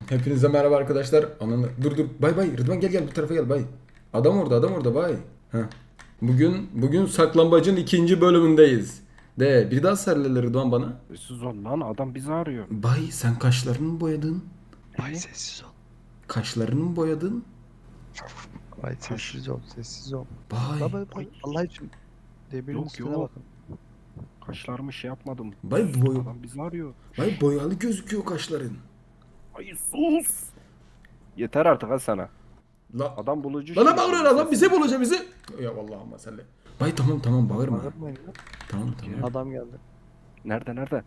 Hepinize merhaba arkadaşlar. Ananı dur dur. Bay bay. Rıdvan gel bu tarafa gel bay. Adam orada bay. Heh. Bugün saklambacın ikinci bölümündeyiz. De bir daha sarılı Rıdvan bana. Sessiz ol lan, adam bizi arıyor. Bay sen kaşlarını mı boyadın? Ay Ne? sessiz ol. Kaşlarını mı boyadın? Ay sessiz ol, sessiz ol. Bay. Baba Allah için demirin Yok, üstüne yok. bakın. Kaşlarımı şey yapmadım. Bay boy. Adam bizi arıyor. Bay boyalı gözüküyor kaşların. Ay sus. Yeter artık ha sana. La Adam bulucu bana şimdi. bağırıyor adam bize bulacak bizi. Ya Allah'ım salli. Bay tamam bağırma. Bağırmayın lan. Tamam. Adam geldi. Nerede?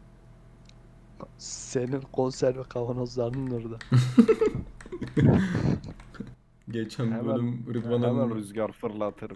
Senin konserve kavanozlarının orada. Geçen Hemen, bölüm hemen Rıdvan'ın rüzgar fırlatır.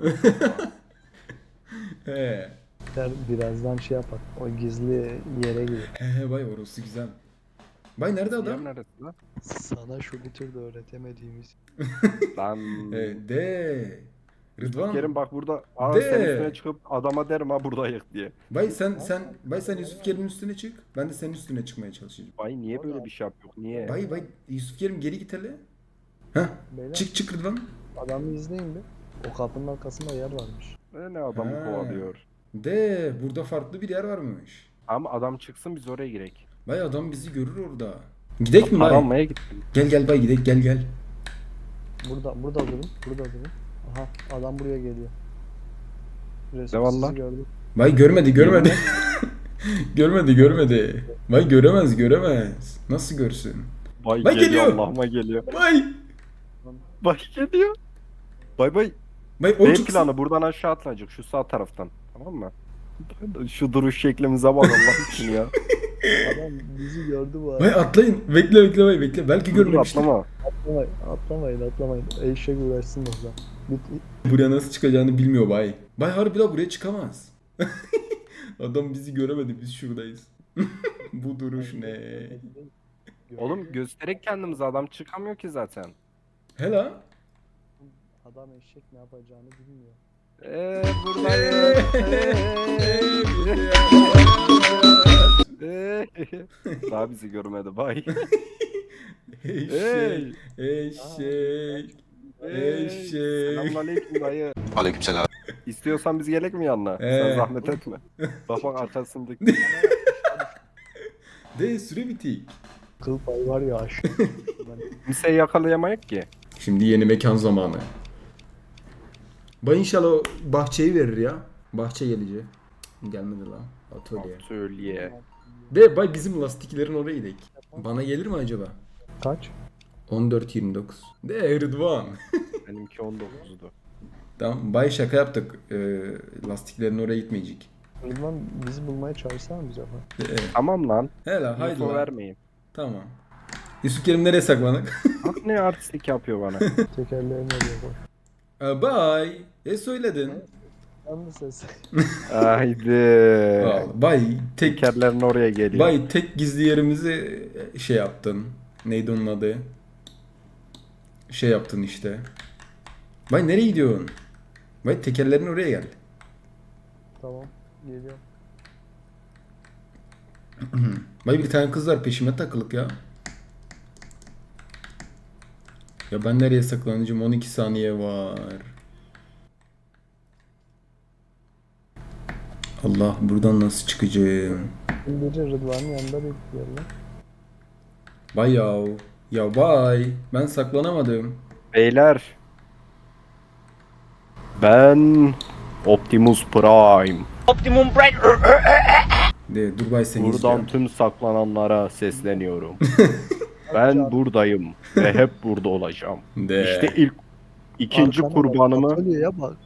He. Birazdan şey yapar. O gizli yere gir. He bay orası güzel. Bay nerede adam? Yer neresi lan? Sana şu bir türlü öğretemediğimiz. Lan. De. Rıdvan. Kerim bak burada. Aa, De. sen üstüne çıkıp adama derim ha buradayız diye. Bay sen Yusuf Kerim'in üstüne çık. Ben de senin üstüne çıkmaya çalışacağım. Bay niye böyle bir şey yapıyor? Niye? Bay Yusuf Kerim geri git hele. Heh. Beyler Çık Rıdvan. adamı izleyin bir. O kapının arkasında yer varmış. Ne adamı Ha. kovalıyor. De burada farklı bir yer varmış. Ama adam çıksın biz oraya girek. Bay adam bizi görür orada. Gidek mi Para bay? almaya gittim. Gel bay gidek gel. Burada durun. Burada durun. Aha adam buraya geliyor. Ne var Sizi lan? gördüm. Bay görmedi. görmedi. Bay göremez. Nasıl görsün? Bay Bay geliyor, geliyor. Allah'ıma geliyor. Bay. Bay geliyor. Bay. Bay o B çıksın. planı buradan aşağı atlanacak şu sağ taraftan. Tamam mı? Şu duruş şeklimize bak Allah için ya. Adam bizi gördü bu arada. Bay atlayın. Bekle bay bekle. Belki Dur görmemiştir. atlama. Atlamayın. Eşek uğraşsın orada. Buraya nasıl çıkacağını bilmiyor bay. Bay harbi la buraya çıkamaz. Adam bizi göremedi biz şuradayız. Bu duruş ne? Oğlum göstererek kendimize adam çıkamıyor ki zaten. Hela. Adam eşek ne yapacağını bilmiyor. Buradayım. Daha bizi görmedi bay. Eşek. Eşek. Eşek. Selamünaleyküm dayı. Aleykümselam. İstiyorsan biz gelek mi yanına? Ee. Sen zahmet etme. Bak arkasındaki. De süre bitik. Kıl payı var ya aşk. Kimseyi yakalayamayız ki. Şimdi yeni mekan zamanı. Bay inşallah o bahçeyi verir ya. Bahçe gelecek. Gelmedi lan. Atölye. Söyleye. De bay bizim lastiklerin oraya gidelim. Bana gelir mi acaba? Kaç? 14.29. De Rıdvan. Benimki 19'du. Tamam bay şaka yaptık. Lastiklerin oraya gitmeyecek. Rıdvan bizi bulmaya çalışsana bize bak. Tamam lan. Hele haydi Info lan. vermeyin. Tamam. Yusuf Kerim nereye saklanık? Bak ne artistlik yapıyor bana. Tekerleğini alıyor bak. Bay. Söyledin. Yandı ses. Haydi. Bay tek Tekerlerin oraya geliyor. bay tek gizli yerimizi şey yaptın. Neydi onun adı? Şey yaptın işte. Bay nereye gidiyorsun? Bay tekerlerin oraya gel. Tamam. Geliyorum. Bay bir tane kız var peşime takılık ya. Ya ben nereye saklanacağım? 12 saniye var. Allah buradan nasıl çıkacağım? Biri Rıdvan'ın yanında bekliyor lan. Bay yav. Ya bay. Ben saklanamadım. Beyler. Ben Optimus Prime. De dur bay seni Buradan izliyorum. tüm saklananlara sesleniyorum. Ben buradayım ve hep burada olacağım. De. İşte ikinci Arkana bak, kurbanımı atölyeye bak.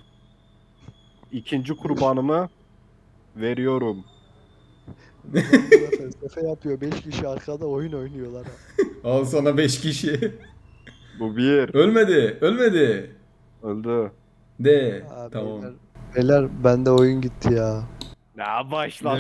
veriyorum. Rıdvan burada felsefe yapıyor. 5 kişi arkada oyun oynuyorlar. Ha. Al sana 5 kişi. Bu bir. Ölmedi. Öldü. De. Ha, Tamam. Beyler bende oyun gitti ya. Ne başladı?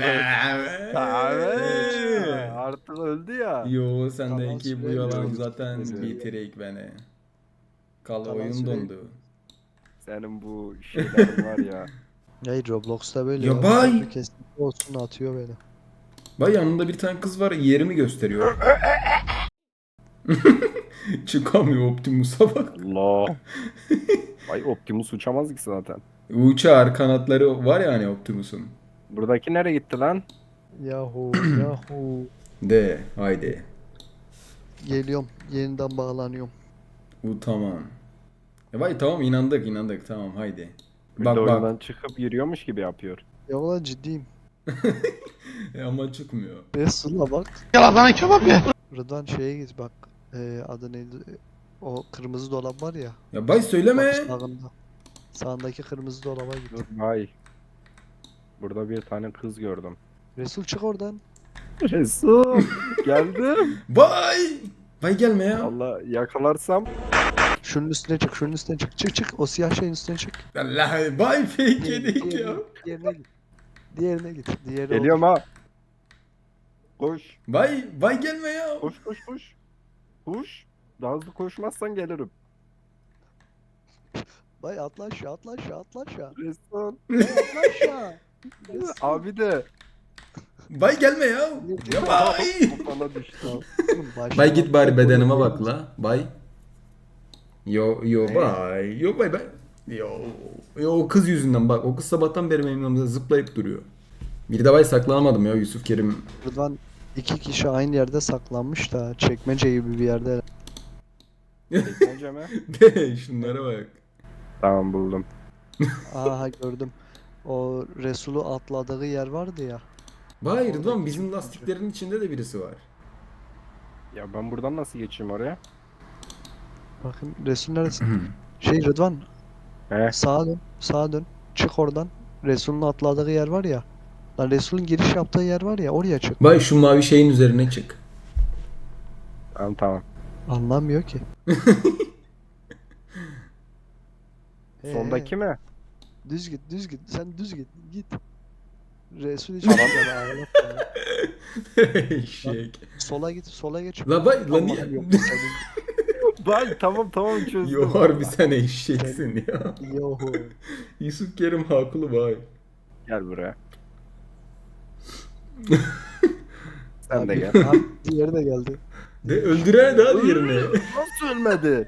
Artık öldü ya. Yo sendeki bu Kalan yalan süre zaten yok. bitirek beni. Kal Kalan oyun süre- dondu. Senin bu şeylerin var ya. Hey Roblox'ta böyle Ya bay! Bir kesinlikle olsun atıyor beni. Bay yanında bir tane kız var yerimi gösteriyor. Çıkamıyor Optimus'a bak. Allah. Vay Optimus uçamaz ki zaten. Uçar kanatları var ya hani Optimus'un. Buradaki nereye gitti lan? Yahu yahu. De haydi. Geliyorum. Yeniden bağlanıyorum. Bu tamam. Vay tamam inandık tamam haydi. Bir Bak de bak. oyundan çıkıp yürüyormuş gibi yapıyor. Ya ulan ciddiyim. Ama çıkmıyor. Resul'a bak. Yalan bana kebap ye. Rıdvan şeye git bak. Adı neydi? O kırmızı dolap var ya. Ya bay söyleme. Bak sağında. Sağındaki kırmızı dolaba git. Dur vay. Burada bir tane kız gördüm. Resul çık oradan. Resul geldim. Bay. Bay gelme ya. Allah yakalarsam. Şunun üstüne çık, şunun üstüne çık. Çık çık. O siyah şeyin üstüne çık. Allah bay fake yedik ya. Diğerine git. Diğerine git. Diğeri Geliyorum olur. ha. Koş. Bay gelme ya. Koş koş koş. Koş. Daha hızlı koşmazsan gelirim. Bay atla aşağı, atla aşağı, atla aşağı. Resul. Bay atla aşağı. Resul. Abi de. Bay gelme ya. Ya bay. Bu bana düştü. Oğlum, baştan Bay git bari atla, bedenime böyle bak la. Bay. Yo bay. Yo bay. Yo o kız yüzünden bak. O kız sabahtan beri benim yanımda zıplayıp duruyor. Bir de bay saklanamadım ya Yusuf Kerim. Rıdvan iki kişi aynı yerde saklanmış da çekmece gibi bir yerde. Çekmece mi? De şunlara bak. Tamam buldum. Aha gördüm. O Resul'u atladığı yer vardı ya. Bay Rıdvan bizim lastiklerin içinde de birisi var. Ya ben buradan nasıl geçeyim oraya? Bakın Resul neresi? Rıdvan He. sağa dön. Sağa dön. Çık oradan. Resul'un atladığı yer var ya. Lan Resul'ün giriş yaptığı yer var ya oraya çık. Bay şu mavi şeyin üzerine çık. Tamam tamam. Anlamıyor ki. Sondaki mi? Düz git, düz git. Sen düz git. Git. Resul hiç gitmedi, ağlatma ya. Eşek. Sola git, sola geç. La bay la niye? Allah'ım yok senin. Bay tamam çözdüm. Yo harbi sen eşeksin ya. Yohu. Yusuf Kerim haklı bay. Gel buraya. Sen de Abi, gel. abi, diğeri de geldi. De öldüren daha diğerini. Nasıl ölmedi?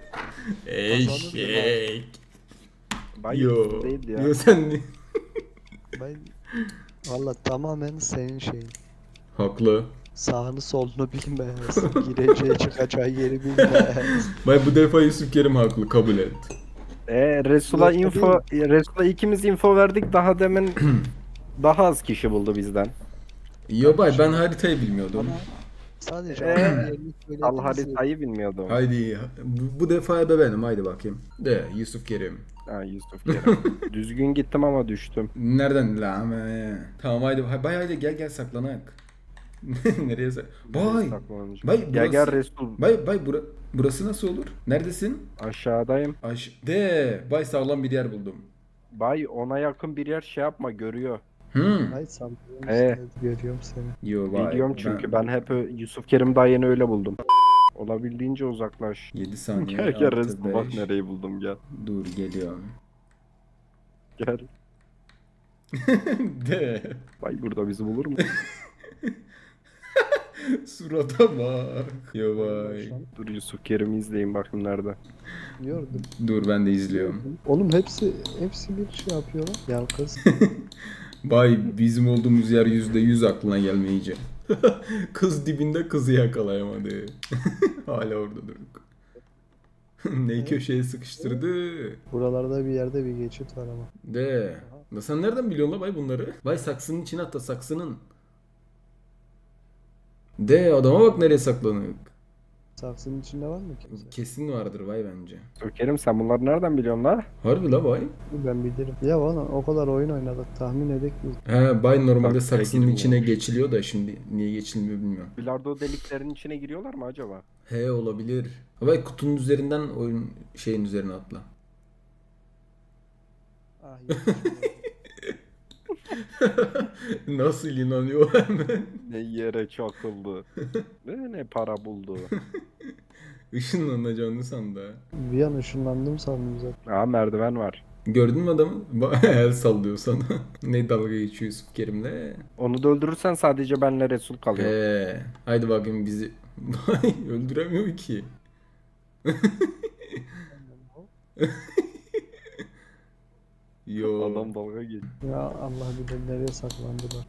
Eşek. Bay Yo. Yusuf değildi ya. Yo sen ne? Ben valla tamamen senin şeyin. Haklı. Sağını solunu bilmez. Gireceği çıkacağı yeri bilmez. Bay bu defa Yusuf Kerim haklı kabul et. Resul'a Yok, info, Resul'a ikimiz info verdik. Daha demin daha az kişi buldu bizden. Yo bay ben haritayı bilmiyordum. Ama sadece Ee, adamın yerini Al söylediğiniz haritayı bilmiyordum. Haydi bu defa ebe benim haydi bakayım. De Yusuf Kerim. Ha Yusuf Kerem. Düzgün gittim ama düştüm. Nereden la ama tamam haydi bay haydi gel saklanak. Nereye Bay. Saklanmış. Bay Gel burası. Resul. Bay burası nasıl olur? Neredesin? Aşağıdayım. De bay sağlam bir yer buldum. Bay ona yakın bir yer şey yapma görüyor. Ay sallıyorsun Ee. seni, görüyorum seni. Yo bay. Biliyorum çünkü ben hep Yusuf Kerim daha yeni öyle buldum. Olabildiğince uzaklaş. 7 saniye. Gel gel 6, Resul bak 5. nereyi buldum gel. Dur geliyorum. Gel. De. Bay burada bizi bulur mu? Surata bak. Yo bay. Dur Yusuf Kerim'i izleyin bakın nerede. Gördüm. Dur ben de izliyorum. Oğlum hepsi bir şey yapıyorlar. Ya kız. Bay bizim olduğumuz yer %100 aklına gelmeyince. Kız dibinde kızı yakalayamadı. Hala orada duruk. Neyi köşeye sıkıştırdı. Buralarda bir yerde bir geçit var ama. De. Da sen nereden biliyorsun la bay bunları? Bay saksının içine at da saksının. De adama bak nereye saklanık. Saksının içinde var mı kimse? Kesin vardır bay bence. Yusuf Kerim sen bunları nereden biliyorsun la? Harbi la bay. Ben bilirim. Ya bana o kadar oyun oynadık tahmin edek biz. He bay normalde Bak, saksının sevgilim içine olmuş. geçiliyor da şimdi niye geçilmiyor bilmiyorum. Bilardo deliklerinin içine giriyorlar mı acaba? He olabilir. Bay kutunun üzerinden oyun şeyin üzerine atla. Ah yok. Nasıl inanıyor hemen? Ne yere çakıldı. Ne para buldu. Işınlanacağını sandı. Bir an ışınlandım sandım zaten. Aa merdiven var. Gördün mü adamı? El sallıyor sana. Ne dalga geçiyor Yusuf Kerim'le. Onu da öldürürsen sadece benle Resul kalıyor. Haydi bakayım bizi Vay öldüremiyor ki. Yo. Adam dalga geçiyor. Ya Allah bilir nereye saklandılar.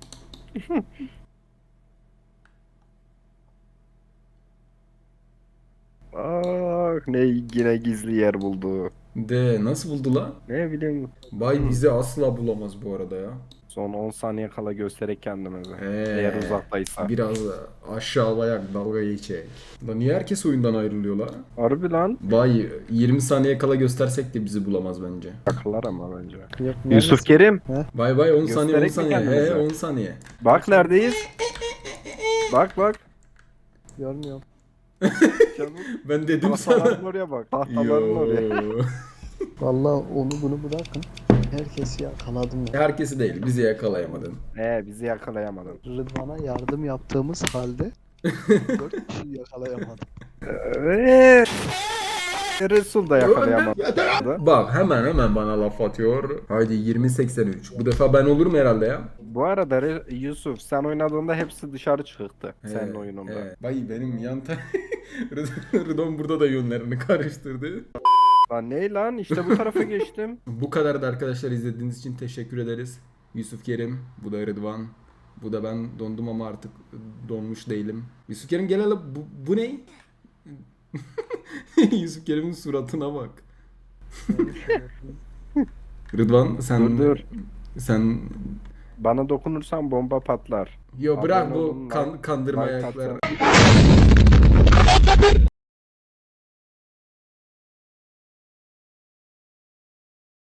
Ne yine gizli yer buldu. De nasıl buldu la? Ne bileyim. Bay bizi asla bulamaz bu arada ya. Son 10 saniye kala göstererek kendimizi. He. Eğer uzaktaysa. Biraz aşağılayak dalga geçecek. Lan niye herkes oyundan ayrılıyor la? Harbi lan. Bay 20 saniye kala göstersek de bizi bulamaz bence. Akıllar ama bence. Yok, Yusuf Kerim. Bay 10 saniye 10 Göstererek mi saniye. kendimizi? 10 saniye. Bak neredeyiz? Bak. Görmüyorum. Canım. Ben dedim sana. Tahtaların oraya bak. Tahtaların oraya. Yo. Vallahi onu bunu bırakın. Herkesi yakaladım ya. Herkesi değil, bizi yakalayamadın. Bizi yakalayamadın. Rıdvan'a yardım yaptığımız halde 4 kişiyi yakalayamadım. Resul da yakalayamadı. Bak hemen bana laf atıyor. Haydi 20-83. Bu defa ben olurum herhalde ya. Bu arada Yusuf sen oynadığında hepsi dışarı çıktı. Senin oyununda. Bay benim yan Rıdvan burada da yönlerini karıştırdı. Lan ne lan? İşte bu tarafa geçtim. Bu kadar da arkadaşlar, izlediğiniz için teşekkür ederiz. Yusuf Kerim, bu da Rıdvan. Bu da ben dondum ama artık donmuş değilim. Yusuf Kerim gel hele, bu ne? Yusuf Kerim'in suratına bak. Rıdvan sen Dur. sen Bana dokunursan bomba patlar. yo bırak Abone bu olun, kandırma like ayakları. atın.